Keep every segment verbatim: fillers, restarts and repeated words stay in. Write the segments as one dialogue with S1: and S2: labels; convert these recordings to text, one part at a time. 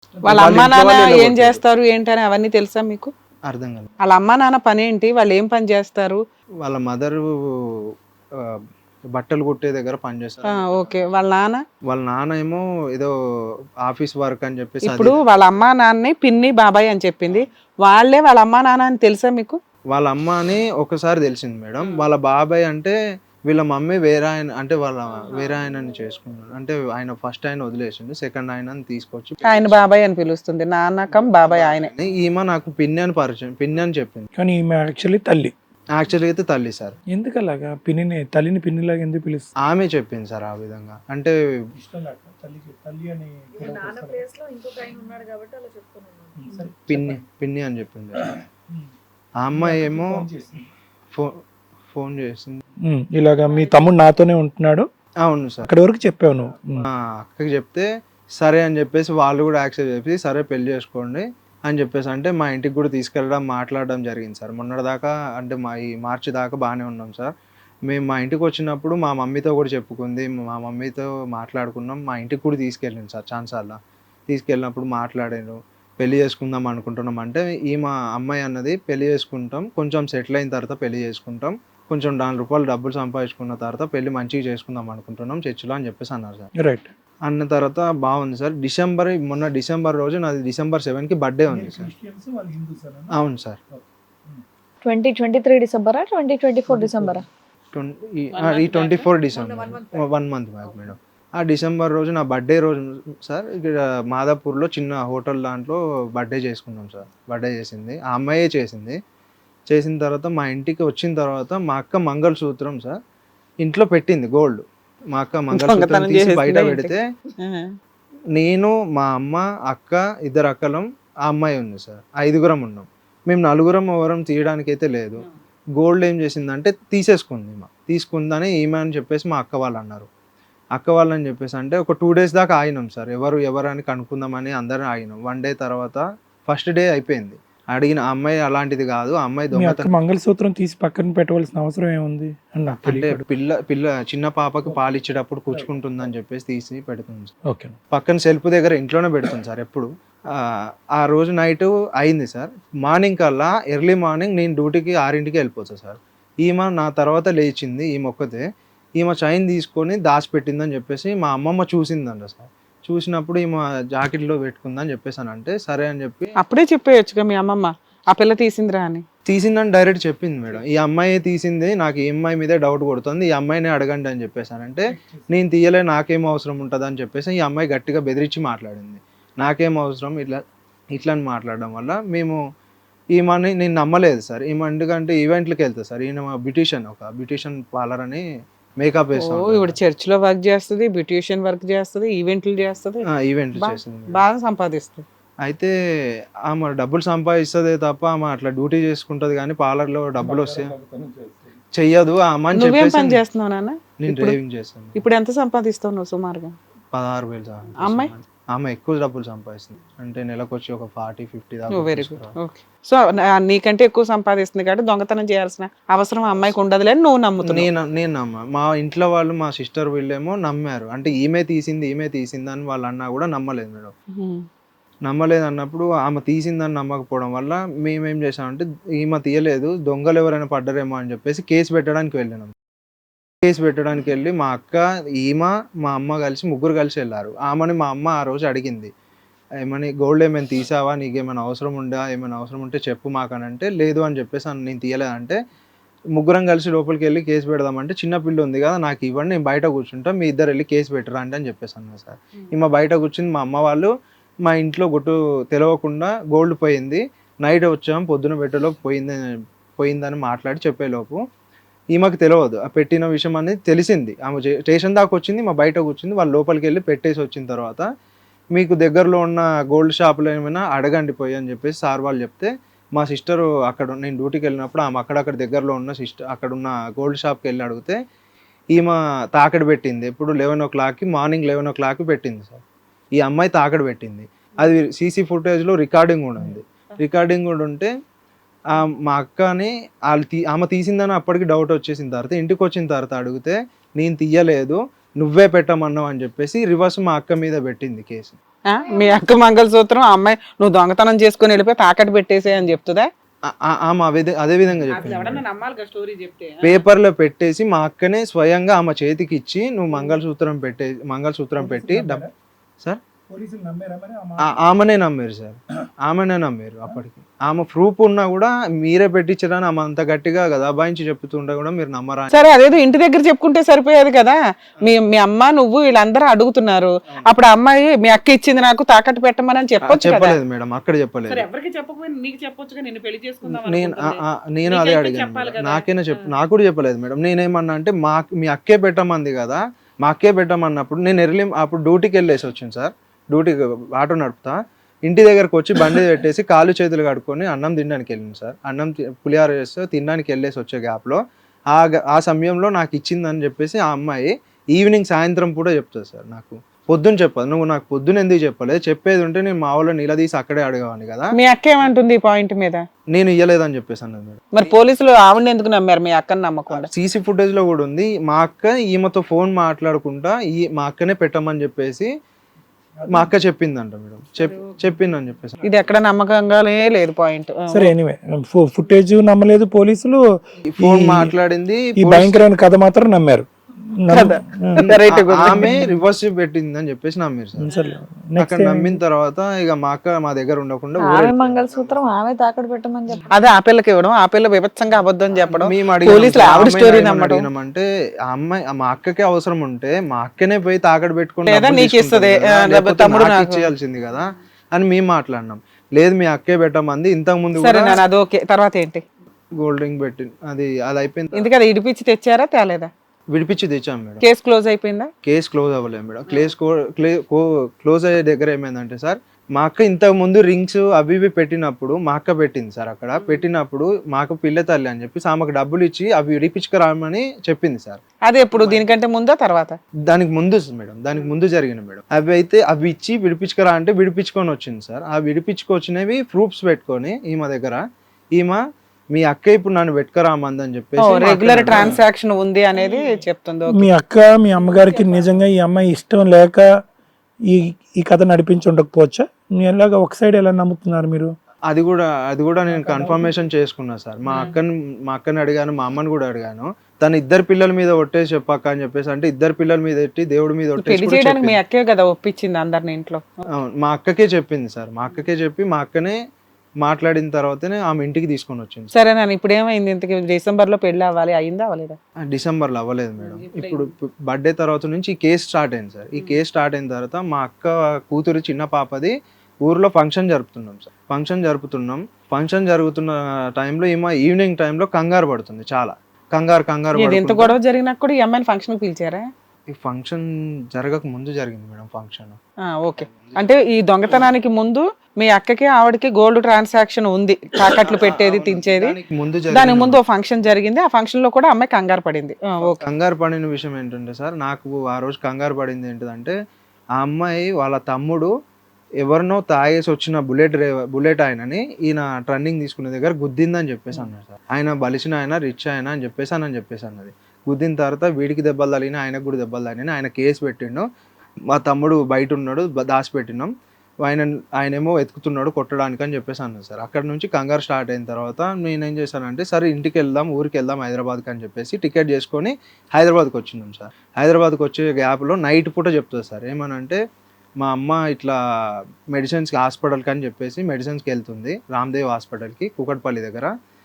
S1: వాళ్ళ అమ్మా నాన్న ఏం చేస్తారు ఏంటని అవన్నీ తెలుసా మీకు?
S2: అర్థం కాదు.
S1: వాళ్ళ అమ్మా నాన్న పని ఏంటి, వాళ్ళు ఏం పని చేస్తారు?
S2: వాళ్ళ మదరు బట్టలు కుట్టే దగ్గర పని చేస్తారు.
S1: ఓకే. వాళ్ళ నాన్న?
S2: వాళ్ళ నాన్న ఏమో ఏదో ఆఫీస్ వర్క్ అని చెప్పేసి.
S1: ఇప్పుడు వాళ్ళ అమ్మా నాన్నని పిన్ని బాబాయ్ అని చెప్పింది, వాళ్ళే వాళ్ళ అమ్మా నాన్న అని తెలుసా మీకు?
S2: వాళ్ళ అమ్మ అని ఒకసారి తెలిసింది మేడం. వాళ్ళ బాబాయ్ అంటే వీళ్ళ మమ్మీ వేరే ఆయన, అంటే వాళ్ళ వేరే ఆయనని చేసుకున్నాడు. అంటే ఆయన ఫస్ట్ ఆయన వదిలేసిండు, సెకండ్ ఆయనని తీసుకొచ్చి
S1: ఆయన బాబాయ్ అని పిలుస్తుంది, నాన్నకం బాబాయ్ ఆయనే.
S2: ఈమె నాకు పిన్ని అని పరిచయం, పిన్ని అని చెప్పింది.
S3: కానీ ఈమె యాక్చువల్లీ తల్లి.
S2: యాక్చువల్గా అయితే తల్లి సార్.
S3: ఎందుకు అలాగా పిన్నిని తల్లిని పిన్నిలాగా ఎందుకు పిలుస్తుంది?
S2: ఆమె చెప్పింది సార్ ఆ విధంగా. అంటే పిన్ని పిన్ని అని చెప్పింది. ఆ అమ్మాయి ఏమో ఫోన్ ఫోన్ చేసింది,
S3: ఇలాగా మీ తమ్ముడు నాతోనే ఉంటున్నాడు.
S2: అవును సార్.
S3: అక్కడి వరకు చెప్పావు నువ్వు.
S2: అక్కకి చెప్తే సరే అని చెప్పేసి వాళ్ళు కూడా యాక్సెప్ట్ చేసి సరే పెళ్లి చేసుకోండి అని చెప్పేసి అంటే మా ఇంటికి కూడా తీసుకెళ్ళడం మాట్లాడడం జరిగింది సార్. మొన్నటిదాకా అంటే మా ఈ మార్చి దాకా బాగానే ఉన్నాం సార్. మేము మా ఇంటికి వచ్చినప్పుడు మా మమ్మీతో కూడా చెప్పుకుంది, మా మమ్మీతో మాట్లాడుకున్నాం, మా ఇంటికి కూడా తీసుకెళ్ళింది సార్ ఛాన్సార్లా. తీసుకెళ్ళినప్పుడు మాట్లాడాను, పెళ్లి చేసుకుందాం అనుకుంటున్నాం అంటే ఈ మా అమ్మాయి అన్నది పెళ్లి చేసుకుంటాం, కొంచెం సెటిల్ అయిన తర్వాత పెళ్లి చేసుకుంటాం, కొంచెం నాలుగు రూపాయలు డబ్బులు సంపాదించుకున్న తర్వాత పెళ్లి మంచిగా చేసుకుందాం అనుకుంటున్నాం చర్చిలో అని చెప్పేసి అన్నారు సార్.
S3: రైట్.
S2: అన్న తర్వాత బాగుంది సార్. డిసెంబర్ మొన్న డిసెంబర్ రోజు నాది డిసెంబర్ సెవెన్ కి బర్త్డే ఉంది సార్. అవును సార్.
S4: ట్వంటీ ట్వంటీ త్రీ డిసెంబరా ట్వంటీ ట్వంటీ ఫోర్ డిసెంబరా?
S2: ఈ twenty four December, one month back madam. ఆ డిసెంబర్ రోజు నా బర్త్డే రోజు సార్ ఇక్కడ మాదాపూర్లో చిన్న హోటల్ దాంట్లో బర్త్డే చేసుకున్నాం సార్. బర్త్డే చేసింది ఆ అమ్మాయే చేసింది. చేసిన తర్వాత మా ఇంటికి వచ్చిన తర్వాత మా అక్క మంగళసూత్రం సార్ ఇంట్లో పెట్టింది గోల్డ్. మా అక్క మంగళసూత్రం తీసి బయట పెడితే నేను మా అమ్మ అక్క ఇద్దరు అక్కలం ఆ అమ్మాయి ఉంది సార్, ఐదుగురం ఉన్నాం. మేము నలుగురం ఎవరం తీయడానికి అయితే లేదు. గోల్డ్ ఏం చేసిందంటే తీసేసుకుంది, మా తీసుకుందని ఈమె అని చెప్పేసి మా అక్క వాళ్ళు అన్నారు. అక్క వాళ్ళని చెప్పేసి అంటే ఒక టూ డేస్ దాకా ఆగినాం సార్, ఎవరు ఎవరని కనుక్కుందామని అందరం ఆగినాం. వన్ డే తర్వాత ఫస్ట్ డే అయిపోయింది. అడిగిన అమ్మాయి అలాంటిది కాదు, ఆ అమ్మాయి దొంగతనం.
S3: మంగళసూత్రం తీసి పక్కన పెట్టవలసిన అవసరం ఏముంది
S2: అంటే పిల్ల పిల్ల చిన్న పాపకి పాలు ఇచ్చేటప్పుడు కూర్చుకుంటుందని చెప్పేసి తీసి పెడుతుంది.
S3: ఓకే.
S2: పక్కన సెల్ఫ్ దగ్గర ఇంట్లోనే పెడుతుంది సార్ ఎప్పుడు. ఆ రోజు నైట్ అయింది సార్. మార్నింగ్ కల్లా ఎర్లీ మార్నింగ్ నేను డ్యూటీకి ఆరింటికి వెళ్ళిపోతాను సార్. ఈమె నా తర్వాత లేచింది, ఈ మొక్కతే ఈమె చైన్ తీసుకొని దాచిపెట్టిందని చెప్పేసి మా అమ్మమ్మ చూసిందంట సార్. చూసినప్పుడు ఈమె జాకెట్లో పెట్టుకుందని చెప్పేసి అని అంటే సరే అని చెప్పి
S1: అప్పుడే చెప్పేయచ్చుగా మీ అమ్మమ్మ ఆ పిల్ల తీసిందిరా అని.
S2: తీసిందని డైరెక్ట్ చెప్పింది మేడం. ఈ అమ్మాయి తీసింది, నాకు ఈ అమ్మాయి మీదే డౌట్ కొడుతుంది, ఈ అమ్మాయినే అడగండి అని చెప్పేసానంటే నేను తీయలే, నాకేం అవసరం ఉంటుంది అని చెప్పేసి ఈ అమ్మాయి గట్టిగా బెదిరించి మాట్లాడింది. నాకేం అవసరం ఇట్లా ఇట్లా అని మాట్లాడడం వల్ల మేము ఈమెని నేను నమ్మలేదు సార్. ఈమె ఎందుకంటే ఈవెంట్లకు వెళ్తుంది సార్, ఈయన బ్యూటిషియన్, ఒక బ్యూటిషియన్ పార్లర్ అని మేకప్ వేస్తాం.
S1: ఇప్పుడు చర్చ్ లో వర్క్ చేస్తుంది, బ్యూటిషియన్ వర్క్ చేస్తుంది, ఈవెంట్లు చేస్తుంది,
S2: ఈవెంట్లు చేస్తుంది,
S1: బాగా సంపాదిస్తుంది.
S2: అయితే ఆమె డబ్బులు సంపాదిస్తుంది తప్ప ఆమె అట్లా డ్యూటీ చేసుకుంటది కానీ పార్లర్ లో డబ్బులు వస్తే చెయ్యదు. ఆమె
S1: నువ్వేం పని చేస్తున్నావు నాన్న?
S2: నేను డ్రైవింగ్ చేస్తాను.
S1: ఇప్పుడు ఎంత సంపాదిస్తావు నువ్వు సుమారుగా?
S2: పదహారు వేలు సార్.
S1: అమ్మాయి
S2: ఆమె ఎక్కువ డబ్బులు సంపాదిస్తుంది, అంటే నెలకు వచ్చి ఒక ఫార్టీ ఫిఫ్టీ దాకా.
S1: Very good. ఓకే. సో నీకంటే ఎక్కువ సంపాదిస్తుంది కాబట్టి దొంగతనం చేయాల్సిన అవసరం అమ్మాయికి ఉండదులే అని నువ్వు నమ్ముతున్నావు.
S2: నేను నేను నమ్మ మా ఇంట్లో వాళ్ళు మా సిస్టర్ వీళ్ళేమో నమ్మారు, అంటే ఈమె తీసింది ఈమె తీసింది అని వాళ్ళు అన్నా కూడా నమ్మలేదు మేడం. నమ్మలేదు అన్నప్పుడు ఆమె తీసిందని నమ్మకపోవడం వల్ల మేమేం చేసామంటే ఈమె తీయలేదు, దొంగలు ఎవరైనా పడ్డరేమో అని చెప్పేసి కేసు పెట్టడానికి వెళ్ళినాం. కేసు పెట్టడానికి వెళ్ళి మా అక్క ఈమె మా అమ్మ కలిసి ముగ్గురు కలిసి వెళ్ళారు. ఆమెని మా అమ్మ ఆ రోజు అడిగింది, ఏమని గోల్డ్ ఏమైనా తీసావా, నీకేమైనా అవసరం ఉందా, ఏమైనా అవసరం ఉంటే చెప్పు మాకని అంటే లేదు అని చెప్పేసి నేను తీయలేదంటే ముగ్గురం కలిసి లోపలికి వెళ్ళి కేసు పెడదామంటే చిన్న పిల్ల ఉంది కదా నాకు ఇవ్వండి, నేను బయట కూర్చుంటా, మీ ఇద్దరు వెళ్ళి కేసు పెట్టరా అంటే అని చెప్పేసి అన్నా సార్. ఈమె బయట కూర్చుని మా అమ్మ వాళ్ళు మా ఇంట్లో గుట్టు తెలవకుండా గోల్డ్ పోయింది, నైట్ వచ్చాము పొద్దున పెట్టలో పోయింది పోయిందని మాట్లాడి చెప్పేలోపు ఈమెకు తెలియదు ఆ పెట్టిన విషయం అనేది తెలిసింది. ఆమె స్టేషన్ దాకా వచ్చింది, మా బయట కూర్చుంది, వాళ్ళు లోపలికి వెళ్ళి పెట్టేసి వచ్చిన తర్వాత మీకు దగ్గరలో ఉన్న గోల్డ్ షాపులో ఏమైనా అడగండి పోయి అని చెప్పేసి సార్ వాళ్ళు చెప్తే మా సిస్టరు అక్కడ నేను డ్యూటీకి వెళ్ళినప్పుడు ఆమె అక్కడక్కడ దగ్గరలో ఉన్న సిస్టర్ అక్కడ ఉన్న గోల్డ్ షాప్కి వెళ్ళి అడిగితే ఈమె తాకడి పెట్టింది. ఎప్పుడు లెవెన్ ఓ క్లాక్కి మార్నింగ్ లెవెన్ ఓ క్లాక్కి పెట్టింది సార్. ఈ అమ్మాయి తాకడి పెట్టింది, అది సీసీ ఫుటేజ్లో రికార్డింగ్ కూడా ఉంది. రికార్డింగ్ కూడా ఉంటే మా అక్కని వాళ్ళు తీ ఆమె తీసిందని అప్పటికి డౌట్ వచ్చేసిన తర్వాత ఇంటికి వచ్చిన తర్వాత అడిగితే నేను తీయలేదు నువ్వే పెట్టమన్నావు అని చెప్పేసి రివర్స్ మా అక్క మీద పెట్టింది కేసు.
S1: ఆ? మీ అక్క మంగళసూత్రం ఆ అమ్మాయి నువ్వు దొంగతనం చేసుకుని వెళ్ళిపోయి తాకట్టు పెట్టేసే అని చెప్తుందా?
S2: ఆ- ఆ- ఆమె అదే అదే విధంగా చెప్పింది మేడం.
S1: నమ్మాలి స్టోరీ చెప్తే
S2: పేపర్లో పెట్టేసి మా అక్కనే స్వయంగా ఆమె చేతికి ఇచ్చి నువ్వు మంగళసూత్రం పెట్టే మంగళసూత్రం పెట్టి డబ్ సార్ ఆ- ఆమెనే నమ్మారు సార్, ఆమెనే నమ్మారు అప్పటికి. ఆమె ప్రూఫ్ ఉన్నా కూడా మీరే పెట్టించడానికి ఆమె అంత గట్టిగా కదా అబాయించి చెప్తుంటే కూడా మీరు నమ్మరా?
S1: సరే అదేదో ఇంటి దగ్గర చెప్పుకుంటే సరిపోయేది కదా. మీ మీ అమ్మ నువ్వు వీళ్ళందరూ అడుగుతున్నారు, అప్పుడు ఆ అమ్మాయి మీ అక్క ఇచ్చింది నాకు తాకట్టు పెట్టమని అని చెప్పొచ్చు కదా.
S2: చెప్పలేదు మేడం, అక్కడ చెప్పలేదు.
S1: ఎవరికి చెప్పకపోయినా నీకు చెప్పొచ్చుగా, నేను పెళ్లి చేసుకుందాం
S2: నేను ఆ- ఆ- నేను అదే అడిగాను మేడం. నాకేనా చెప్ప నాకు కూడా చెప్పలేదు మేడం. నేనేమన్నా అంటే మా మీ అక్కే పెట్టమంది కదా, మా అక్కే పెట్టమన్నప్పుడు నేను ఎర్లీ అప్పుడు డ్యూటీకి వెళ్ళేసి వచ్చింది సార్. డ్యూటీకి ఆటో నడుపుతా, ఇంటి దగ్గరకు వచ్చి బండి పెట్టేసి కాళ్ళు చేతులు కడుక్కొని అన్నం తినడానికి వెళ్ళింది సార్. అన్నం తి- పులిహార చేస్తే తినడానికి వెళ్ళేసి వచ్చే గ్యాప్లో ఆ గ- ఆ సమయంలో నాకు ఇచ్చిందని చెప్పేసి ఆ అమ్మాయి ఈవినింగ్ సాయంత్రం కూడా చెప్తుంది సార్. నాకు పొద్దున్న చెప్పదు, నువ్వు నాకు పొద్దున్న ఎందుకు చెప్పలేదు, చెప్పేది ఉంటే నేను మా వాళ్ళని నిలదీసి అక్కడే అడగవాని కదా,
S1: మీ అక్క ఏమంటుంది ఈ పాయింట్ మీద?
S2: నేను ఇయ్యలేదని చెప్పేసి అన్నది మేడం.
S1: మరి పోలీసులు ఆవిడని ఎందుకు నమ్మారు మీ అక్కని నమ్మకుండా?
S2: సీసీ ఫుటేజ్ లో కూడా ఉంది, మా అక్క ఈమెతో ఫోన్ మాట్లాడుకుంటా ఈ మా అక్కనే పెట్టమని చెప్పేసి మా అక్క చెప్పిందంట మేడం. చెప్ చెప్పిందని చెప్పేసి
S1: ఇది ఎక్కడ నమ్మకంగానే లేదు పాయింట్.
S3: సరే ఎనీవే ఫుటేజ్ నమ్మలేదు పోలీసులు,
S2: ఈ ఫోన్
S3: ఈ-
S2: మాట్లాడింది
S3: ఈ భయంకరమైన కథ మాత్రం నమ్మారు.
S2: ఆ- ఆమె రివర్స్ పెట్టిందని చెప్పేసి నమ్మారు సార్.
S3: సరే
S2: అక్కడ నమ్మిన తర్వాత ఇక మా అక్క మా దగ్గర ఉండకుండా
S4: ఆమె
S2: ఊరెళ్ళిపోయారు.
S4: మంగళసూత్రం ఆమె తాకట్టు పెట్టమని చెప్పి
S1: అదే ఆ పిల్లకి ఇవ్వడం, ఆ పిల్ల విభత్సంగా అబద్ధం చెప్పడం,
S2: మేము అడిగినాం
S1: పోలీసులు
S2: సార్,
S1: ఆవిడ
S2: అమ్మాయిని
S1: స్టోరీ
S2: ఏమని
S1: నమ్మడం.
S2: అడిగినామంటే ఆ అమ్మాయి మా అక్కకే అవసరం ఉంటే మా అక్కనే పోయి తాకట్టు పెట్టుకుని
S1: లేదా
S2: డబ్బులు
S1: నీకు
S2: తీసుకుంటది
S1: ఇస్తది,
S2: కదా,
S1: ఆ,
S2: లేకపోతే
S1: తమ్ముడు
S2: నాకు
S1: నాకు.
S2: ఇచ్చేయాల్సింది కదా అని మేము మాట్లాడినాం. లేదు మీ అక్కే పెట్టమంది, ఇంతకు ముందు
S1: సరే నేను అది ఓకే. తర్వాత ఏంటి?
S2: గోల్డ్ రింగ్ పెట్టి అది అది అయిపోయింది.
S1: ఎందుకు అది ఇడిపించి తెచ్చారా తేలేదా?
S2: విడిపించి తెచ్చాం మేడం.
S1: కేసు క్లోజ్ అయిపోయిందా?
S2: కేసు క్లోజ్ అవ్వలేదు మేడం. కేసు క్లోజ్ అయ్యే దగ్గర ఏమైందంటే సార్, మా అక్క ఇంతకు ముందు రింగ్స్ అవి ఇవి పెట్టినప్పుడు మా అక్క పెట్టింది సార్. అక్కడ పెట్టినప్పుడు మాకు పిల్ల తల్లి అని చెప్పి ఆమెకు డబ్బులు ఇచ్చి అవి విడిపించుకురామని చెప్పింది సార్.
S1: అది ఎప్పుడు, దీనికంటే ముందా తర్వాత?
S2: దానికి ముందు మేడం, దానికి ముందు జరిగిన మేడం. అవి అయితే అవి ఇచ్చి విడిపించుకురా అంటే విడిపించుకొని వచ్చింది సార్. ఆ విడిపించుకొచ్చినవి ప్రూఫ్స్ పెట్టుకొని ఈమె దగ్గర, ఈమె మీ అక్క ఇప్పుడు నన్ను పెట్టుకురామందని చెప్పేసి
S1: రెగ్యులర్ ట్రాన్సాక్షన్ ఉంది అనేది చెప్తుంది. ఓకే.
S3: మీ అక్క మీ అమ్మగారికి నిజంగా ఈ అమ్మాయి ఇష్టం లేక ఈ ఈ కథ నడిపించి ఉండకపోవచ్చా? మీ ఎలాగా ఒక సైడ్ ఎలా నమ్ముతున్నారు మీరు?
S2: అది కూడా అది కూడా నేను కన్ఫర్మేషన్ చేసుకున్నా సార్. మా అక్కని మా అక్కని అడిగాను, మా అమ్మని కూడా అడిగాను. తన ఇద్దరు పిల్లల మీద ఒట్టేసి చెప్పాక అని చెప్పేసి అంటే ఇద్దరు పిల్లల మీద ఎట్టి దేవుడి మీద ఒట్టేసి
S1: పెళ్లి
S2: కూడా
S1: చేయడానికి మీ
S2: చెప్పింది.
S1: అక్కే కదా ఒప్పించింది అందరిని ఇంట్లో.
S2: అవును, మా అక్కకే చెప్పింది సార్. మా అక్కకే చెప్పి మా అక్కనే మాట్లాడిన తర్వాతనే ఆమె ఇంటికి తీసుకొని వచ్చింది.
S1: సరే నన్ను ఇప్పుడు ఏమైంది? ఇంతకి డిసెంబర్ లో పెళ్లి అవ్వాలి, అయిందా అవ్వలేదా?
S2: ఆ, డిసెంబర్లో అవ్వలేదు మేడం. ఇప్పుడు బర్త్డే తర్వాత నుంచి ఈ కేసు స్టార్ట్ అయింది సార్. ఈ కేసు స్టార్ట్ అయిన తర్వాత మా అక్క కూతురు చిన్న పాపది ఊర్లో ఫంక్షన్ జరుపుతున్నాం సార్. ఫంక్షన్ జరుపుతున్నాం ఫంక్షన్ జరుగుతున్న టైంలో ఈమె ఈవినింగ్ టైంలో కంగారు పడుతుంది, చాలా కంగారు కంగారు
S1: ఇది ఎంత
S2: పడుకుంటూ-
S1: గొడవ జరిగినా కూడా ఈ అమ్మాయిని ఫంక్షన్ పిలిచారా?
S2: ఈ ఫంక్షన్ జరగక ముందు జరిగింది మేడం ఫంక్షన్.
S1: ఆ, ఓకే. అంటే ఈ దొంగతనానికి ముందు మీ అక్కకి ఆవిడకి గోల్డ్ ట్రాన్సాక్షన్ ఉంది, తాకట్లు పెట్టేది తించేది.
S2: దానికి ముందు
S1: దానికి
S2: జరిగింది
S1: ముందు ఓ ఫంక్షన్ జరిగింది, ఆ ఫంక్షన్ లో కూడా అమ్మాయి కంగారు పడింది. ఆ, ఓకే.
S2: కంగారు పడిన విషయం ఏంటంటే సార్, నాకు ఆ రోజు కంగారు పడింది ఏంటిదంటే ఆ అమ్మాయి వాళ్ళ తమ్ముడు ఎవరినో తాగేసి వచ్చిన బుల్లెట్ డ్రైవర్ బుల్లెట్ ఆయనని ఈయన ట్రన్నింగ్ తీసుకునే దగ్గర గుద్దిందని చెప్పేసి అన్నారు సార్. ఆయన బలిసిన ఆయన రిచ్ ఆయన అని చెప్పేసి అని చెప్పేసి అన్నది. గుద్దిన తర్వాత వీడికి దెబ్బలు తగిలిన, ఆయనకు కూడా దెబ్బలు తగిలిన, ఆయన కేసు పెట్టిండు. మా తమ్ముడు బయట ఉన్నాడు, దాచిపెట్టినాం, ఆయన ఆయనేమో వెతుకుతున్నాడు కొట్టడానికి అని చెప్పేసి అన్నారు సార్. అక్కడ నుంచి కంగారు స్టార్ట్ అయిన తర్వాత నేనేం చేశానంటే సరే ఇంటికి వెళ్దాం, ఊరికి వెళ్దాం హైదరాబాద్కి అని చెప్పేసి టికెట్ చేసుకొని హైదరాబాద్కి వచ్చినాం సార్. హైదరాబాద్కి వచ్చే గ్యాప్లో నైట్ పూట చెప్తుంది సార్ ఏమనంటే, మా అమ్మ ఇట్లా మెడిసిన్స్కి హాస్పిటల్కి అని చెప్పేసి మెడిసిన్స్కి వెళ్తుంది రామ్దేవ్ హాస్పిటల్కి కూకట్పల్లి దగ్గర.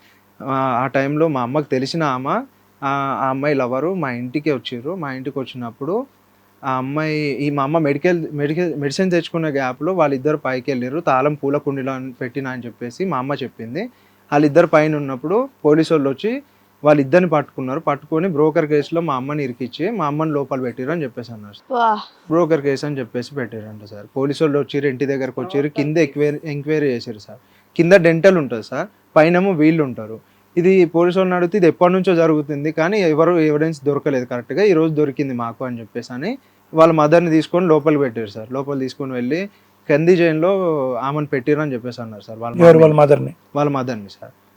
S2: ఆ టైంలో మా అమ్మకి తెలిసిన ఆమె ఆ అమ్మాయి లవరు మా ఇంటికి వచ్చిర్రు. మా ఇంటికి వచ్చినప్పుడు ఆ అమ్మాయి ఈ మా అమ్మ మెడికల్ మెడికల్ మెడిసిన్ తెచ్చుకునే గ్యాప్లో వాళ్ళిద్దరు పైకి వెళ్ళారు, తాళం పూల కుండీలో పెట్టినా అని చెప్పేసి మా అమ్మ చెప్పింది. వాళ్ళిద్దరు పైన ఉన్నప్పుడు పోలీసు వాళ్ళు వచ్చి వాళ్ళిద్దరిని పట్టుకున్నారు. పట్టుకొని బ్రోకర్ కేసులో మా అమ్మని ఇరికిచ్చి మా అమ్మని లోపల పెట్టిరు అని చెప్పేసి అన్నారు. బ్రోకర్ కేసు అని చెప్పేసి పెట్టారంట సార్. పోలీసు వాళ్ళు వచ్చారు, ఇంటి దగ్గరకు వచ్చారు, కింద ఎంక్వైరీ ఎంక్వైరీ చేశారు సార్. కింద డెంటల్ ఉంటుంది సార్, పైనేమో వీళ్ళు ఉంటారు. ఇది పోలీసు వాళ్ళని అడిగితే ఇది ఎప్పటి నుంచో జరుగుతుంది కానీ ఎవరు ఎవిడెన్స్ దొరకలేదు కరెక్ట్గా, ఈ రోజు దొరికింది మాకు అని చెప్పేసి అని వాళ్ళ మదర్ని తీసుకొని లోపలికి పెట్టారు సార్. లోపల తీసుకొని వెళ్ళి కంది జైన్లో ఆమెను పెట్టిరు అని చెప్పేసి అన్నారు సార్. వాళ్ళ
S3: వాళ్ళ మదర్ని
S2: వాళ్ళ మదర్ని సార్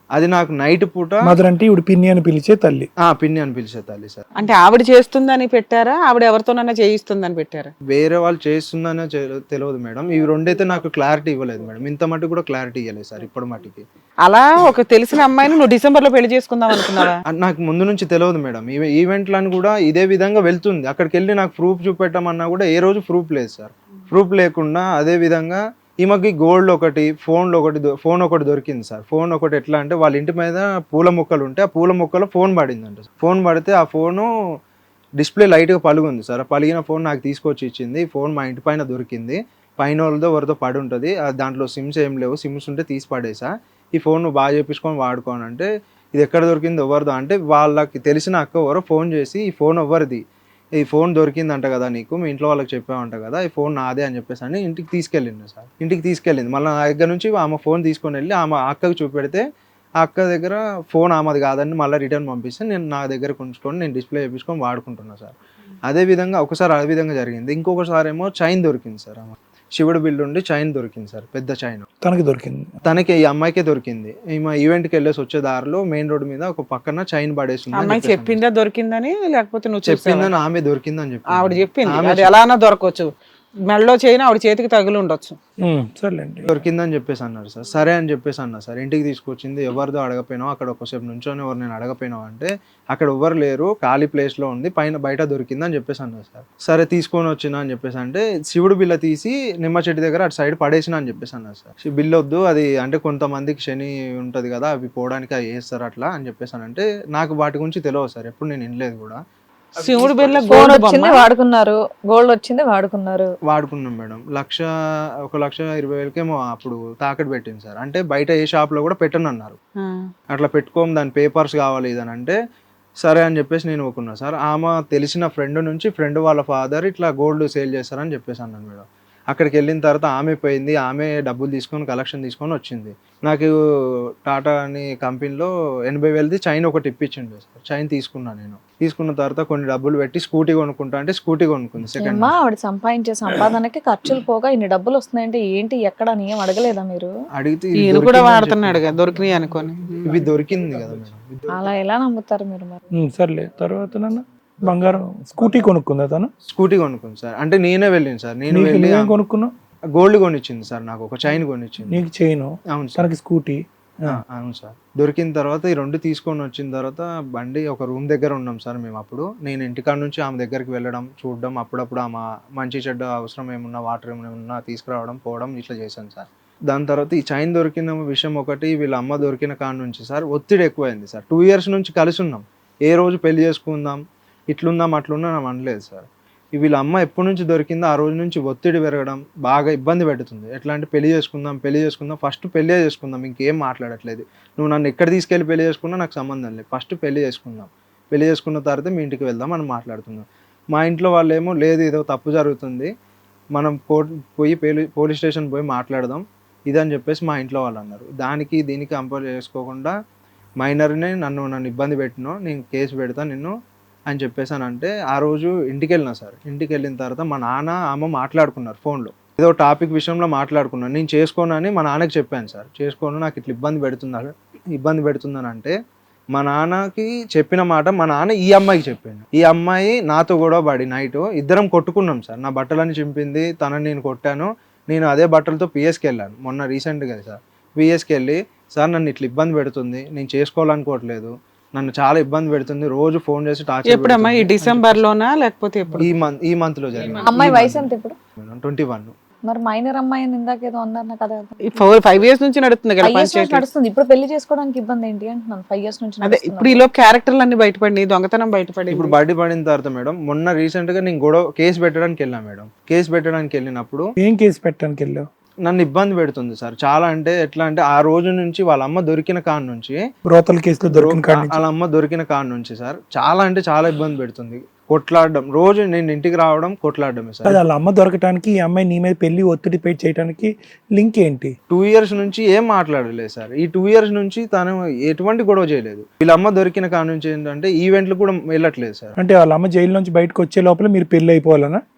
S2: అది నాకు నైట్ పూట
S3: మదర్ అంటే ఇప్పుడు పిన్ని అని పిలిచే తల్లి.
S2: ఆ పిన్ని అని పిలిచే తల్లి సార్.
S1: అంటే ఆవిడ చేస్తుందని పెట్టారా, ఆవిడ ఎవరితోనన్నా చేయిస్తుందని పెట్టారా?
S2: వేరే వాళ్ళు చేస్తుందనే తె- తెలియదు మేడం. ఇవి రెండైతే నాకు క్లారిటీ ఇవ్వలేదు మేడం. ఇంత మటుకు కూడా క్లారిటీ ఇవ్వలేదు సార్ ఇప్పటి మటుకి.
S1: అలా ఒక తెలిసిన అమ్మాయిని నువ్వు డిసెంబర్ లో పెళ్లి చేసుకుందాం అనుకున్నావా?
S2: అది నాకు ముందు నుంచి తెలియదు మేడం. ఈ ఈవెంట్లను కూడా ఇదే విధంగా వెళ్తుంది. అక్కడికి వెళ్ళి నాకు ప్రూఫ్ చూపెట్టమన్నా కూడా ఏ రోజు ప్రూఫ్ లేదు సార్. ప్రూఫ్ లేకుండా అదే విధంగా ఈమెకి గోల్డ్ ఒకటి, ఫోన్లో ఒకటి దొ- ఫోన్ ఒకటి దొరికింది సార్. ఫోన్ ఒకటి ఎట్లా అంటే వాళ్ళ ఇంటి మీద పూల మొక్కలు ఉంటే ఆ పూల మొక్కలో ఫోన్ పడిందంట. ఫోన్ పడితే ఆ ఫోను డిస్ప్లే లైట్గా పలుగుంది సార్. ఆ పలిగిన ఫోన్ నాకు తీసుకొచ్చి ఇచ్చింది. ఈ ఫోన్ మా ఇంటి పైన దొరికింది. పైన వాళ్ళతో ఎవరితో పడి ఉంటుంది. దాంట్లో సిమ్స్ ఏం లేవు, సిమ్స్ ఉంటే తీసి పడేసా. ఈ ఫోన్ నువ్వు బాగా చేపించుకొని వాడుకోని అంటే ఇది ఎక్కడ దొరికింది ఎవరిదో అంటే వాళ్ళకి తెలిసిన అక్క ఎవరో ఫోన్ చేసి ఈ ఫోన్ ఎవరిది, ఈ ఫోన్ దొరికిందంట కదా నీకు, మీ ఇంట్లో వాళ్ళకి చెప్పావంట కదా, ఈ ఫోన్ నాదే అని చెప్పేసి అని ఇంటికి తీసుకెళ్ళింది సార్. ఇంటికి తీసుకెళ్ళింది. మళ్ళీ నా దగ్గర నుంచి ఆమె ఫోన్ తీసుకొని వెళ్ళి ఆమె అక్కకి చూపెడితే ఆ అక్క దగ్గర ఫోన్ ఆమెది కాదని మళ్ళీ రిటర్న్ పంపిస్తే నేను నా దగ్గర ఉంచుకొని నేను డిస్ప్లే చేయించుకొని వాడుకుంటున్నా సార్. అదే విధంగా ఒకసారి అదే విధంగా జరిగింది. ఇంకొకసారి ఏమో చైన్ దొరికింది సార్. ఆమె శివుడు బిల్లు ఉండి చైన్ దొరికింది సార్, పెద్ద చైన్
S3: తనకి దొరికింది.
S2: తనకి ఈ అమ్మాయికే దొరికింది. ఈమె ఈవెంట్కి వెళ్ళేసి వచ్చే దారిలో మెయిన్ రోడ్ మీద ఒక పక్కన చైన్ పడేసింది.
S1: అమ్మాయి చెప్పిందా దొరికిందని, లేకపోతే నువ్వు చెప్పిందా?
S2: చెప్పిందని ఆమె దొరికిందని చెప్పి
S1: ఆవిడ చెప్పింది. అది ఎలానా దొరకవచ్చు, మెడలో చేయని ఆవిడ చేతికి తగిలి ఉండొచ్చు.
S3: ఉమ్, సర్లేండి.
S2: దొరికిందని చెప్పేసి అన్నారు సార్. సరే అని చెప్పేసి అన్నా సార్. ఇంటికి తీసుకొచ్చింది. ఎవరిదో అడగపోయినావు, అక్కడ ఒకసేపు నుంచొని ఎవరు నేను అడగపోయినావు అంటే అక్కడ ఎవరు లేరు, ఖాళీ ప్లేస్లో ఉంది, పైన బయట దొరికిందని చెప్పేసి అన్నారు సార్. సరే తీసుకొని వచ్చినా అని చెప్పేసి అంటే శివుడు బిల్ల తీసి నిమ్మ చెట్టు దగ్గర అటు సైడ్ పడేసిన అని చెప్పేసి అన్నారు సార్. బిల్ల వద్దు, అది అంటే కొంతమందికి శని ఉంటుంది కదా, అవి పోవడానికి అవి వేస్తారు అట్లా అని చెప్పేసి అంటే నాకు వాటి గురించి తెలియదు సార్. ఎప్పుడు నేను వినలేదు కూడా.
S1: శివుడు బిళ్ళ
S4: ఫోన్
S1: గోల్డ్
S4: వచ్చింది వాడుకున్నారు, గోల్డ్ వచ్చింది వాడుకున్నారు.
S2: వాడుకున్నాం మేడం. లక్ష ఒక లక్ష ఇరవై వేలకేమో అప్పుడు తాకట్టు పెట్టింది సార్. అంటే బయట ఏ షాప్లో కూడా పెట్టను అన్నారు. అట్లా పెట్టుకోము, దాని పేపర్స్ కావాలి ఇదని అంటే సరే అని చెప్పేసి నేను ఒప్పుకున్నా సార్. ఆమె తెలిసిన ఫ్రెండ్ నుంచి ఫ్రెండ్ వాళ్ళ ఫాదర్ ఇట్లా గోల్డ్ సేల్ చేస్తారని చెప్పేసి అన్నాను మేడం. అక్కడికి వెళ్ళిన తర్వాత ఆమె పోయింది, ఆమె డబ్బులు తీసుకొని కలెక్షన్ తీసుకొని వచ్చింది. నాకు టాటా అని కంపెనీలో ఎనభై వేలది చైన్ ఒకటి ఇప్పించిండు సార్. చైన్ తీసుకున్నాను నేను. తీసుకున్న తర్వాత కొన్ని డబ్బులు పెట్టి స్కూటీ కొనుక్కుంటా అంటే స్కూటీ కొనుక్కుంది సెకండ్.
S4: అమ్మా ఆవిడ సంపాదించే సంపాదనకి ఖర్చులు పోగా ఇన్ని డబ్బులు వస్తున్నాయంటే ఏంటి ఎక్కడ అని ఏం అడగలేదా మీరు?
S2: అడిగితే
S1: ఈయన కూడా వాడుతున్నాడు కదా, దొరికినాయి అనుకోని.
S2: ఇవి దొరికింది కదా మేడం.
S4: అలా ఎలా నమ్ముతారు మీరు మరి?
S3: ఉమ్, సర్లే. తర్వాత నాన్న బంగారం స్కూటీ కొనుక్కుందా తను?
S2: స్కూటీ కొనుక్కుంది సార్. అంటే నేనే వెళ్ళింది సార్. నేను
S3: నీకు
S2: వెళ్ళి
S3: నువ్వేం కొనుక్కున్నావు?
S2: Gold కొనిచ్చింది sir. నాకు ఒక చైన్ కొనిచ్చింది.
S3: నీకు చైన్,
S2: అవును సార్.
S3: తనకి స్కూటీ.
S2: ఆ, అవును సార్. దొరికిన తర్వాత ఈ రెండు తీసుకొని వచ్చిన తర్వాత బండి ఒక రూమ్ దగ్గర ఉన్నాం సార్ మేము. అప్పుడు నేను ఇంటికాడ నుంచి ఆమె దగ్గరికి వెళ్ళడం, చూడడం, అప్పుడప్పుడు ఆమె మంచి చెడ్డ అవసరం ఏమున్నా, వాటర్ ఏమున్నా తీసుకురావడం, పోవడం ఇట్లా చేశాను సార్. దాని తర్వాత ఈ చైన్ దొరికిన విషయం ఒకటి, వీళ్ళ అమ్మ దొరికిన కాడ నుంచి సార్ ఒత్తిడి ఎక్కువైంది సార్. టూ ఇయర్స్ నుంచి కలిసి ఉన్నాం. ఏ రోజు పెళ్లి చేసుకుందాం, ఇట్లుందాం అట్లుందాం అనలేదు సార్. వీళ్ళ అమ్మ ఎప్పటి నుంచి దొరికిందో ఆ రోజు నుంచి ఒత్తిడి పెరగడం, బాగా ఇబ్బంది పెడుతుంది. ఎట్లా అంటే పెళ్లి చేసుకుందాం పెళ్లి చేసుకుందాం ఫస్ట్ పెళ్లి చేసుకుందాం, ఇంకేం మాట్లాడట్లేదు. నువ్వు నన్ను ఎక్కడ తీసుకెళ్ళి పెళ్లి చేసుకున్నా నాకు సంబంధం లేదు, ఫస్ట్ పెళ్లి చేసుకుందాం, పెళ్లి చేసుకున్న తర్వాత మీ ఇంటికి వెళ్దాం అని మాట్లాడుతున్నాం. మా ఇంట్లో వాళ్ళు ఏమో లేదు ఏదో తప్పు జరుగుతుంది, మనం కోర్టు పోయి పోలీస్ స్టేషన్ పోయి మాట్లాడదాం ఇదని చెప్పేసి మా ఇంట్లో వాళ్ళు అన్నారు. దానికి దీనికి కంపేర్ చేసుకోకుండా మైనర్ని నన్ను నన్ను ఇబ్బంది పెట్టినో నేను కేసు పెడతా నిన్ను అని చెప్పేసానంటే ఆ రోజు ఇంటికి వెళ్ళినా సార్. ఇంటికి వెళ్ళిన తర్వాత మా నాన్న అమ్మ మాట్లాడుకున్నారు ఫోన్లో. ఏదో టాపిక్ విషయంలో మాట్లాడుకున్నాను. నేను చేసుకోనని మా నాన్నకి చెప్పాను సార్. చేసుకోను, నాకు ఇట్లా ఇబ్బంది పెడుతున్నారు ఇబ్బంది పెడుతుందని అంటే మా నాన్నకి చెప్పిన మాట మా నాన్న ఈ అమ్మాయికి చెప్పిండు. ఈ అమ్మాయి నాతో గొడవ పడి నైట్ ఇద్దరం కొట్టుకున్నాం సార్. నా బట్టలని చింపింది, తనని నేను కొట్టాను. నేను అదే బట్టలతో పిఎస్కి వెళ్ళాను మొన్న రీసెంట్గా సార్. పిఎస్కి వెళ్ళి సార్ నన్ను ఇట్లా ఇబ్బంది పెడుతుంది, నేను చేసుకోవాలనుకోవట్లేదు, నన్ను చాలా ఇబ్బంది పెడుతుంది, రోజు ఫోన్ చేసి టార్చర్.
S1: ఎప్పుడమ్మా? ఈ డిసెంబర్ లోనా లేకపోతే ఎప్పుడు?
S2: ఈ మంత్ ఈ మంత్ లో జరిగింది.
S4: అమ్మాయి వయసు ఎంత ఇప్పుడు?
S2: Twenty one.
S4: మరి మైనర్ అమ్మాయి అని ఇందాక ఏదో అన్నారు కదా,
S1: ఫోర్ ఫైవ్ ఇయర్స్ నుంచి నడుస్తుంది కదా
S4: ఫైవ్ ఇయర్స్ నుంచి
S1: పంచాయతీ.
S4: నడుస్తుంది. ఇప్పుడు పెళ్లి చేసుకోవడానికి ఇబ్బంది ఏంటి అంటున్నాను. ఫైవ్ ఇయర్స్ నుంచి
S1: అదే ఇప్పుడు ఈలో క్యారెక్టర్లు అన్ని బయటపడి దొంగతనం బయటపడి
S2: ఇప్పుడు బయట పడిన తర్వాత మేడం మొన్న రీసెంట్ గా నేను గొడవ కేసు పెట్టడానికి వెళ్ళా మేడం. కేసు పెట్టడానికి వెళ్ళినప్పుడు
S3: ఏం కేసు పెట్టడానికి వెళ్ళావు?
S2: నన్ను ఇబ్బంది పెడుతుంది సార్ చాలా. అంటే ఎట్లా అంటే ఆ రోజు నుంచి వాళ్ళ అమ్మ దొరికిన కాడ నుంచి,
S3: బ్రోతల్ కేసులో దొరికిన కాడ నుంచి,
S2: వాళ్ళ అమ్మ దొరికిన కాడ నుంచి సార్ చాలా అంటే చాలా ఇబ్బంది పెడుతుంది. కొట్లాడడం, రోజు నేను ఇంటికి రావడం కొట్లాడడమే సార్.
S3: వాళ్ళ అమ్మ దొరకటానికి ఈ అమ్మాయి నీ మీద పెళ్లి ఒత్తిడి పే చేయడానికి లింక్ ఏంటి?
S2: టూ ఇయర్స్ నుంచి ఏం మాట్లాడలేదు సార్. ఈ టూ ఇయర్స్ నుంచి తను ఎటువంటి గొడవ చేయలేదు. వీళ్ళ అమ్మ దొరికిన కాడ నుంచి ఏంటంటే ఈవెంట్లు కూడా వెళ్ళట్లేదు సార్.
S3: అంటే వాళ్ళ అమ్మ జైలు నుంచి బయటకు వచ్చే లోపల మీరు పెళ్లి అయిపోవాలనా?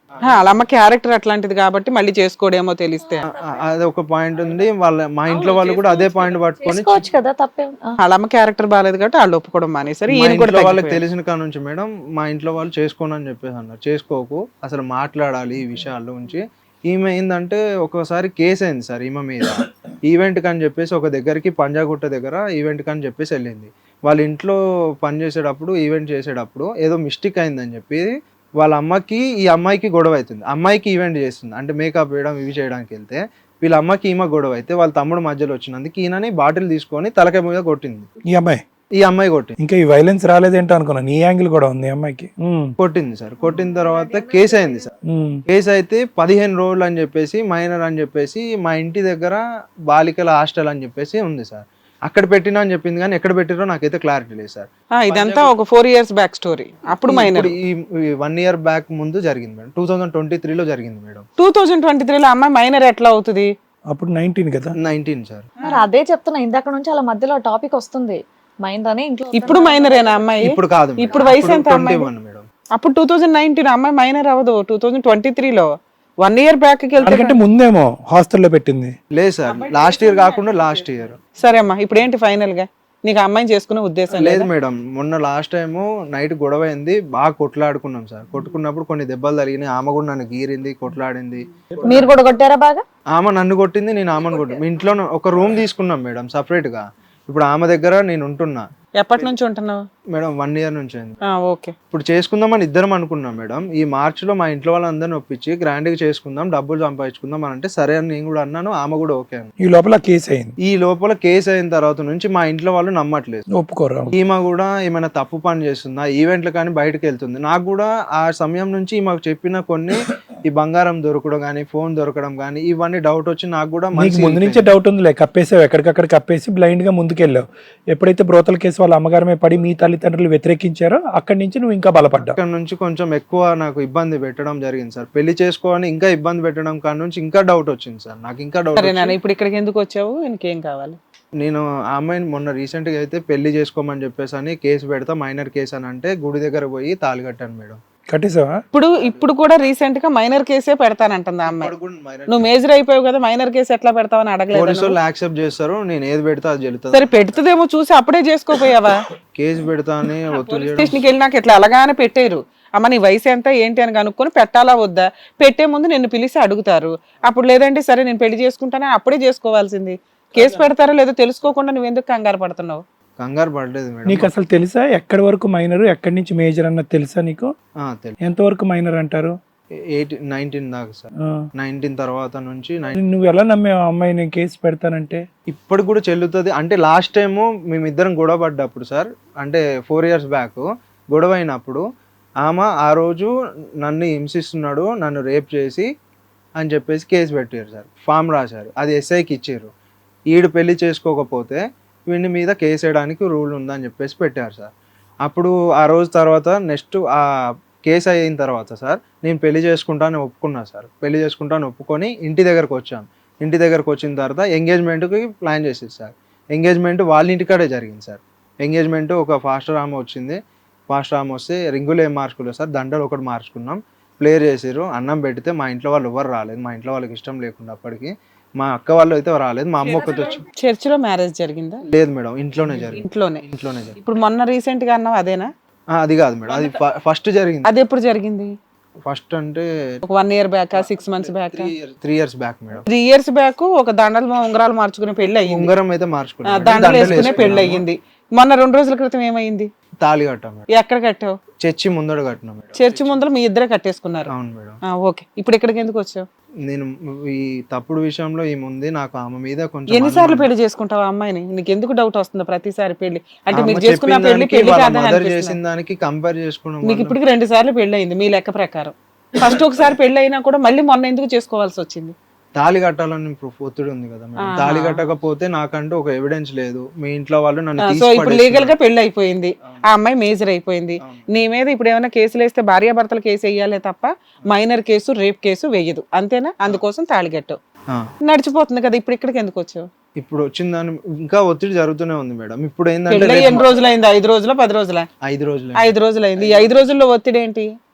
S1: ఆ, వాళ్ళ అమ్మ క్యారెక్టర్ అట్లాంటిది కాబట్టి మళ్ళీ చేసుకోడేమో తెలిస్తే.
S2: ఆ, అది ఒక పాయింట్ ఉంది. వాళ్ళ మా ఇంట్లో వాళ్ళు కూడా అదే పాయింట్ పట్టుకొని
S4: చేసుకోవచ్చు కదా, తప్పే. ఆ.
S1: వాళ్ళ అమ్మ క్యారెక్టర్ బాగాలేదు కాబట్టి వాళ్ళు ఒప్పుకోవడం మానేసరి.
S2: మా
S1: ఈయన కూడా
S2: ఇంట్లో వాళ్ళకి
S1: తగ్గిపోయాడు.
S2: తెలిసిన కాడ నుంచి మేడం మా ఇంట్లో వాళ్ళు చేసుకోను అని చెప్పేసి అన్నారు. చేసుకోకు, అసలు మాట్లాడాలి ఈ విషయాల గురించి. ఈమె ఏంటంటే ఒకసారి కేసు అయింది సార్ ఈమె మీద. ఈవెంట్ కని చెప్పేసి ఒక దగ్గరికి పంజాగుట్ట దగ్గర ఈవెంట్ కని చెప్పేసి వెళ్ళింది. వాళ్ళ ఇంట్లో పని చేసేటప్పుడు ఈవెంట్ చేసేటప్పుడు ఏదో మిస్టేక్ అయిందని చెప్పి వాళ్ళ అమ్మకి ఈ అమ్మాయికి గొడవ అవుతుంది. అమ్మాయికి ఈవెంట్ చేస్తుంది అంటే మేకప్ వేయడం ఇవి చేయడానికి వెళ్తే వీళ్ళ అమ్మకి ఈమె గొడవ అయితే వాళ్ళ తమ్ముడు మధ్యలో వచ్చినందుకు ఈయనని బాటిల్ తీసుకొని తలకాయ మీద కొట్టింది.
S3: ఈ అమ్మాయి
S2: ఈ అమ్మాయి కొట్టింది.
S3: ఇంకా ఈ వైలెన్స్ రాలేదేంటో అనుకున్నాను, ఈ యాంగిల్ కూడా ఉంది ఈ అమ్మాయికి. ఉమ్,
S2: కొట్టింది సార్. కొట్టిన తర్వాత కేసు అయింది సార్.
S3: ఉమ్.
S2: కేసు అయితే పదిహేను రోజులు అని చెప్పేసి మైనర్ అని చెప్పేసి మా ఇంటి దగ్గర బాలికల హాస్టల్ అని చెప్పేసి ఉంది సార్. అక్కడ పెట్టినా అని చెప్పింది కానీ ఎక్కడ పెట్టిరో నాకైతే క్లారిటీ లేదు సార్.
S1: ఆ, ఇదంతా ఒక ఫోర్ ఇయర్స్ బ్యాక్ స్టోరీ. అప్పుడు మైనర్.
S2: ఇప్పుడు ఈ వన్ ఇయర్ బ్యాక్ ముందు జరిగింది మేడం. టూ థౌసండ్ ట్వంటీ త్రీలో జరిగింది మేడం.
S1: టూ థౌజండ్ ట్వంటీ త్రీలో అమ్మాయి మైనర్ ఎట్లా అవుతుంది?
S3: అప్పుడు నైన్టీన్ కదా.
S2: Nineteen sir.
S4: మరి అదే చెప్తున్నా, ఇందాక నుంచి అలా మధ్యలో టాపిక్ వస్తుంది. మైండ్ అని ఇంట్లో
S1: ఇప్పుడు మైనరేనా అమ్మాయి?
S2: ఇప్పుడు కాదు,
S1: ఇప్పుడు వయసు ఎంత
S2: ట్వంటీ
S1: అమ్మాయి?
S2: One madam.
S1: అప్పుడు టూ థౌజండ్ నైన్టీన్ అమ్మాయి మైనర్ అవ్వదు. టూ థౌజండ్ ట్వంటీ త్రీలో వన్ ఇయర్ బ్యాక్ కి వెళ్తే
S3: ఎందుకంటే ముందేమో హాస్టల్లో పెట్టింది.
S2: లేదు సార్, లాస్ట్ ఇయర్ కాకుండా లాస్ట్ ఇయర్.
S1: సరే అమ్మా, ఇప్పుడు ఏంటి ఫైనల్ గా నీకు అమ్మాయిని చేసుకునే ఉద్దేశం
S2: లేదు
S1: లేదు?
S2: మేడం, మొన్న లాస్ట్ టైం నైట్ గొడవ అయింది, బాగా కొట్లాడుకున్నాం సార్. కొట్టుకున్నప్పుడు కొన్ని దెబ్బలు తగిలినాయి. ఆమె కూడా నన్ను గీరింది, కొట్లాడింది.
S4: మీరు కూడా కొట్టారా బాగా?
S2: ఆమె నన్ను కొట్టింది, నేను ఆమెను కొట్టింది. మీ ఇంట్లో ఒక రూమ్ తీసుకున్నాం మేడం సపరేట్ గా. ఇప్పుడు ఆమె దగ్గర నేను ఉంటున్నా.
S1: ఎప్పటి నుంచి ఉంటున్నావు?
S2: మేడం వన్ ఇయర్ నుంచి అయింది.
S1: ఓకే.
S2: ఇప్పుడు చేసుకుందామని ఇద్దరం అనుకున్నాం మేడం. ఈ మార్చ్ లో మా ఇంట్లో వాళ్ళందరిని ఒప్పించి గ్రాండ్ గా చేసుకుందాం, డబ్బులు సంపాదించుకుందాం అని అంటే సరే అని నేను కూడా అన్నాను. ఆమె కూడా ఓకే అని.
S3: ఈ లోపల కేసు అయింది.
S2: ఈ లోపల కేసు అయిన తర్వాత నుంచి మా ఇంట్లో వాళ్ళు నమ్మట్లేదు.
S3: ఒప్పుకోరా?
S2: ఈమె కూడా ఏమైనా తప్పు పని చేస్తుందా, ఈవెంట్లు కానీ బయటకు వెళ్తుంది. నాకు కూడా ఆ సమయం నుంచి ఈమెకు చెప్పిన కొన్ని ఈ బంగారం దొరకడం కానీ ఫోన్ దొరకడం కానీ ఇవన్నీ డౌట్ వచ్చి నాకు కూడా
S3: నీకు ముందు నుంచే డౌట్ ఉంది, కప్పేసావు, ఎక్కడికక్కడ కప్పేసి బ్లైండ్ గా ముందుకెళ్ళావు. ఎప్పుడైతే బ్రోతల కేసు వాళ్ళ అమ్మగారమే పడి మీ తల్లిదండ్రులు వ్యతిరేకించారో అక్కడి నుంచి నువ్వు ఇంకా బలపడ్డావు.
S2: అక్కడ నుంచి కొంచెం ఎక్కువ నాకు ఇబ్బంది పెట్టడం జరిగింది సార్. పెళ్లి చేసుకోవాలని ఇంకా ఇబ్బంది పెట్టడం కాడ నుంచి ఇంకా డౌట్ వచ్చింది సార్. నాకు ఇంకా డౌట్.
S1: సరే నాన్న, ఇప్పుడు ఇక్కడికి ఎందుకు వచ్చావు? ఇంకేం కావాలి?
S2: నేను ఆ అమ్మాయిని మొన్న రీసెంట్ గా అయితే పెళ్లి చేసుకోమని చెప్పేసి అని కేసు పెడతా, మైనర్ కేసు అని అంటే గుడి దగ్గర పోయి తాళి కట్టాను మేడం.
S3: కట్టేసావా?
S1: ఇప్పుడు ఇప్పుడు కూడా రీసెంట్ గా మైనర్ కేసే పెడతానంటుంది ఆ అమ్మాయి. నువ్వు మేజర్ అయిపోయావు కదా, మైనర్ కేసు ఎట్లా పెడతావని అడగలేదు?
S2: పోలీసు వాళ్ళు యాక్సెప్ట్ చేస్తారు, నేను ఏది పెడతా అది చెల్లుతుంది.
S1: సరే పెడుతుందేమో చూసి అప్పుడే చేసుకోపోయావా?
S2: కేసు పెడతా అని ఒత్తిడి చేయడం.
S1: స్టేషన్కి వెళ్ళి నాకు ఇట్లా అలాగానే పెట్టారు. అమ్మ నీ వయసు ఎంత ఏంటి అని కనుక్కొని పెట్టాలా వద్దా, పెట్టే ముందు నిన్ను పిలిచి అడుగుతారు. అప్పుడు లేదంటే సరే నేను పెళ్లి చేసుకుంటానే అప్పుడే చేసుకోవాల్సింది. కేసు పెడతారో లేదో తెలుసుకోకుండా నువ్వు ఎందుకు కంగారు పడుతున్నావు?
S2: కంగారు పడలేదు మేడం.
S3: నీకు అసలు తెలుసా ఎక్కడి వరకు మైనర్, ఎక్కడి నుంచి మేజర్ అన్నది తెలుసా నీకు?
S2: ఆ, తెలుసు.
S3: ఎంత వరకు మైనర్ అంటారు?
S2: ఎయిటీన్ నైన్టీన్ దాకా సార్.
S3: ఆ.
S2: నైన్టీన్ తర్వాత నుంచి
S3: నువ్వు ఎలా నమ్మావు అమ్మాయిని కేసు పెడతానంటే?
S2: ఇప్పుడు కూడా చెల్లుతుంది అంటే లాస్ట్ టైము మేమిద్దరం గొడవ పడ్డప్పుడు సార్, అంటే ఫోర్ ఇయర్స్ బ్యాక్ గొడవ అయినప్పుడు ఆమె ఆ రోజు నన్ను హింసిస్తున్నాడు, నన్ను రేప్ చేసి అని చెప్పేసి కేసు పెట్టారు సార్. ఫామ్ రాశారు, అది ఎస్ఐకి ఇచ్చారు. ఈడు పెళ్లి చేసుకోకపోతే వీడి మీద కేసు వేయడానికి రూల్ ఉందని చెప్పేసి పెట్టారు సార్. అప్పుడు ఆ రోజు తర్వాత నెక్స్ట్ ఆ కేసు అయిన తర్వాత సార్ నేను పెళ్లి చేసుకుంటాను ఒప్పుకున్నా సార్. పెళ్లి చేసుకుంటాను ఒప్పుకొని ఇంటి దగ్గరకు వచ్చాను. ఇంటి దగ్గరకు వచ్చిన తర్వాత ఎంగేజ్మెంట్కి ప్లాన్ చేసేది సార్. ఎంగేజ్మెంట్ వాళ్ళ ఇంటికాడే జరిగింది సార్. ఎంగేజ్మెంట్ ఒక ఫాస్టర్ ఆమె వచ్చింది. ఫాస్టర్ ఆమె వస్తే రింగులు ఏం మార్చుకోలేదు సార్, దండలు ఒకటి మార్చుకున్నాం. ప్లేయర్ చేసారు, అన్నం పెడితే మా ఇంట్లో వాళ్ళు ఎవరు రాలేదు. మా ఇంట్లో వాళ్ళకి ఇష్టం లేకుండా అప్పటికి మా అక్క వాళ్ళు అయితే రాలేదు. మా అమ్మ ఒక్కటి వచ్చి.
S1: చర్చిలో మ్యారేజ్ జరిగిందా?
S2: లేదు మేడం, ఇంట్లోనే జరిగింది.
S1: ఇంట్లోనే
S2: ఇంట్లోనే జరిగింది.
S1: ఇప్పుడు మొన్న రీసెంట్ గా అన్నావు అదేనా?
S2: ఆ, అది కాదు మేడం, అది ఫస్ట్ జరిగింది.
S1: అది ఎప్పుడు జరిగింది?
S2: ఫస్ట్ అంటే
S1: ఒక one year back, six months back,
S2: three years back madam.
S1: Three years back ఒక దండలు ఉంగరాలు మార్చుకునే పెళ్లి అయ్యింది.
S2: ఉంగరం అయితే మార్చుకున్నాం,
S1: దండలు వేసుకునే పెళ్లి అయ్యింది. మొన్న రెండు రోజుల క్రితం ఏమైంది?
S2: తాళి కట్టాం మేడం.
S1: ఎక్కడ కట్టావు?
S2: చర్చి ముందర కట్టినాం మేడం.
S1: చర్చి ముందర మీ ఇద్దరే కట్టేసుకున్నారు?
S2: అవును మేడం.
S1: ఓకే, ఇప్పుడు ఇక్కడికి ఎందుకు వచ్చావు?
S2: నేను ఈ తప్పుడు విషయంలో ఏముంది నాకు ఆమె మీద కొంచెం
S1: ఎన్నిసార్లు పెళ్లి చేసుకుంటావు ఆ అమ్మాయిని? నీకు ఎందుకు డౌట్ వస్తుంది ప్రతిసారి పెళ్లి అంటే? మీరు
S2: ఆమె
S1: చేసుకున్న
S2: చెప్పిన
S1: పెళ్లి
S2: దానికి
S1: పెళ్లి
S2: వాళ్ళ
S1: కాదని
S2: mother
S1: అనిపిస్తుంది.
S2: చేసిన దానికి కంపేర్ చేసుకోవడం
S1: మీకు
S2: వల్ల
S1: ఇప్పటికి రెండు సార్లు పెళ్లి అయింది మీ లెక్క ప్రకారం. ఫస్ట్ ఒకసారి పెళ్లి అయినా కూడా మళ్ళీ మొన్న ఎందుకు చేసుకోవాల్సి వచ్చింది?
S2: తాళి కట్టాలని ప్రూఫ్ ఒత్తిడి ఉంది కదా మేడం. తాళి కట్టకపోతే నాకంటూ ఒక ఎవిడెన్స్ లేదు. మీ ఇంట్లో వాళ్ళు నన్ను
S1: సో
S2: తీసి
S1: ఇప్పుడు
S2: పడేస్తున్నారు.
S1: లీగల్ గా పెళ్లి అయిపోయింది, ఆ అమ్మాయి మేజర్ అయిపోయింది. నీ మీద ఇప్పుడు ఏమైనా కేసులు వేస్తే భార్యాభర్తల కేసు వేయాలే తప్ప మైనర్ కేసు రేప్ కేసు వేయదు, అంతేనా? అందుకోసం తాళి కట్టావు,
S2: ఆ.
S1: నడిచిపోతుంది కదా. ఇప్పుడు ఇక్కడికి ఎందుకు వచ్చావు?
S2: ఇప్పుడు వచ్చిన దాని ఇంకా ఒత్తిడి జరుగుతూనే ఉంది మేడం. ఇప్పుడు
S1: పెళ్లి
S2: ఏంటంటే
S1: ఎన్ని రోజులు అయింది? ఐదు రోజుల పది రోజుల?
S2: ఐదు రోజులు
S1: ఐదు రోజులు అయింది. ఈ ఐదు రోజుల్లో ఒత్తిడి ఏంటి?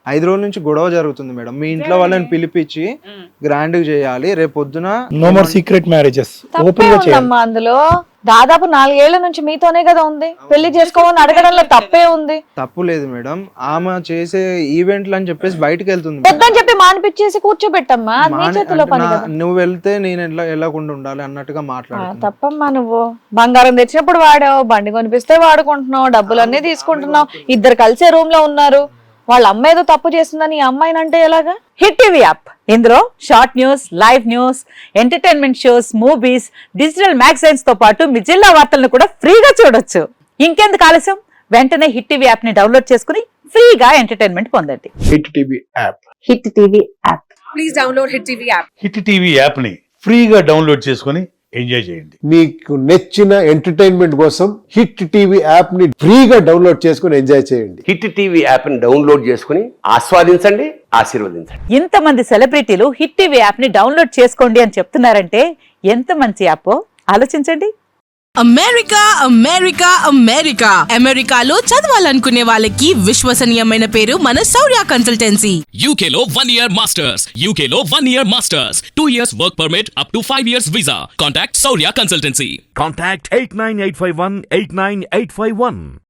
S2: ఐదు రోజుల నుంచి గొడవ జరుగుతుంది మేడం. మీ ఇంట్లో వాళ్ళని పిలిపించి గ్రాండ్ చేయాలి, రేపు పొద్దున
S3: నో మోర్ సీక్రెట్ మ్యారేజెస్
S4: తప్పే
S3: ఓపెన్ గా చేయాలి.
S4: ఉందమ్మా అందులో. దాదాపు నాలుగేళ్ల నుంచి మీతోనే కదా ఉంది, పెళ్లి చేసుకోమని అడగడంలో తప్పే ఉంది.
S2: తప్పు లేదు మేడం. ఆమె చేసే ఈవెంట్లు అని చెప్పేసి బయటకు వెళ్తుంది.
S4: వద్దని చెప్పి మానిపించేసి కూర్చోబెట్టమ్మా, అది నీ
S2: మానే-
S4: చేతిలో
S2: అంటే
S4: పని
S2: నా-
S4: కదా.
S2: నువ్వు వెళ్తే నేను ఎలా వెళ్ళకుండా ఉండాలి అన్నట్టుగా
S4: ఆ,
S2: మాట్లాడుతున్నా.
S4: తప్పమ్మా. నువ్వు బంగారం తెచ్చినప్పుడు వాడావు, బండి కొనిపిస్తే వాడుకుంటున్నావు, డబ్బులన్నీ తీసుకుంటున్నావు, ఇద్దరు కలిసే రూమ్ లో ఉన్నారు. వాళ్ళ అమ్మ ఏదో తప్పు చేస్తుందని ఈ అమ్మాయిని అంటే ఎలాగా?
S5: హిట్ టీవీ యాప్ ఇందులో short news, live news, entertainment shows, movies, digital magazines తో పాటు మీ జిల్లా వార్తలను కూడా ఫ్రీగా చూడొచ్చు. ఇంకెందుకు ఆలస్యం, వెంటనే హిట్ టీవీ యాప్ ని డౌన్లోడ్ చేసుకుని ఫ్రీగా ఎంటర్టైన్మెంట్ పొందండి.
S6: Hit TV app
S5: Hit TV app.
S7: Hit TV యాప్ని ఫ్రీగా డౌన్లోడ్ చేసుకొని ఎంజాయ్ చేయండి.
S6: మీకు నచ్చిన ఎంటర్టైన్మెంట్ కోసం హిట్ టీవీ యాప్ ని ఫ్రీగా డౌన్లోడ్ చేసుకుని ఎంజాయ్ చేయండి.
S8: హిట్ టీవీ యాప్ని డౌన్లోడ్ చేసుకుని ఆస్వాదించండి, ఆశీర్వదించండి.
S5: ఇంతమంది సెలబ్రిటీలు హిట్ టీవీ యాప్ ని డౌన్లోడ్ చేసుకోండి అని చెప్తున్నారంటే ఎంత మంచి యాప్ ఆలోచించండి.
S9: అమెరికా అమెరికా అమెరికా అమెరికాలో చదవాలనుకునే వాళ్ళకి విశ్వసనీయమైన పేరు మన శౌర్య కన్సల్టెన్సీ.
S10: U K లో one year masters, U K లో one year masters, two years work permit up to five years visa. Contact Saurya Consultancy.
S11: Contact eight nine eight five one eight nine eight five one.